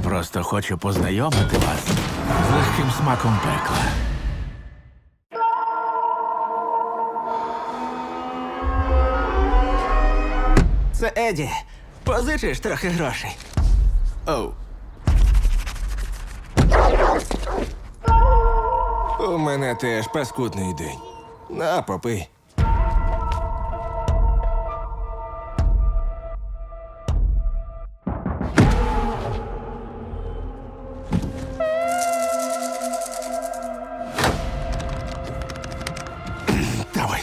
просто хочу познайомити вас з легким смаком пекла. Це Еді. Позичиш трохи грошей. Оу. У мене теж паскудний день. На, попий. Давай.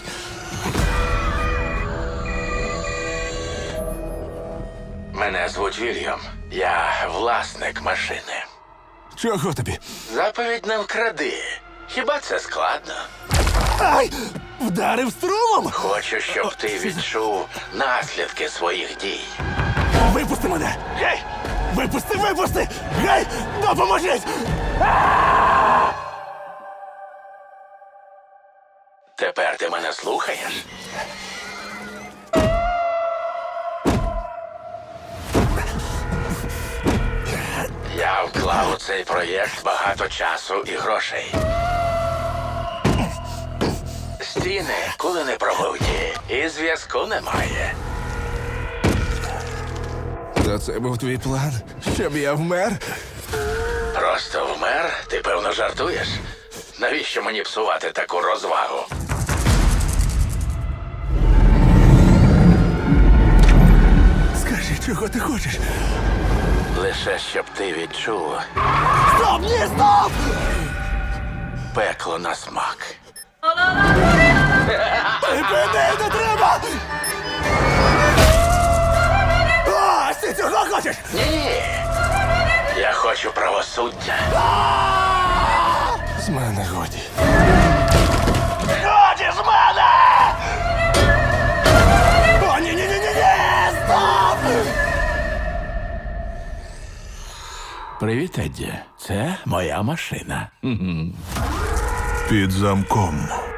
Мене звуть Вільям. Я власник машини. Чого тобі? Заповідь не вкради. Хіба це складно? Ай! Вдарив струмом! Хочу, щоб ти відчув наслідки своїх дій. Випусти мене! Гей! Випусти, випусти! Гей! Допоможіть! Тепер ти мене слухаєш? Я вклав у цей проєкт багато часу і грошей. Стіни коли не пробуті, і зв'язку немає. То це був твій план? Щоб я вмер? Просто вмер? Ти, певно, жартуєш? Навіщо мені псувати таку розвагу? Скажи, чого ти хочеш? Лише щоб ти відчув Стоп! Ні, стоп! пекло на смак. Припини, не треба! Ось ти цього хочеш! Ні. Я хочу правосуддя. З мене годі. Годі з мене! О, ні-ні-ні-ні! Стоп! Привіт, Едді. Це моя машина. Під замком.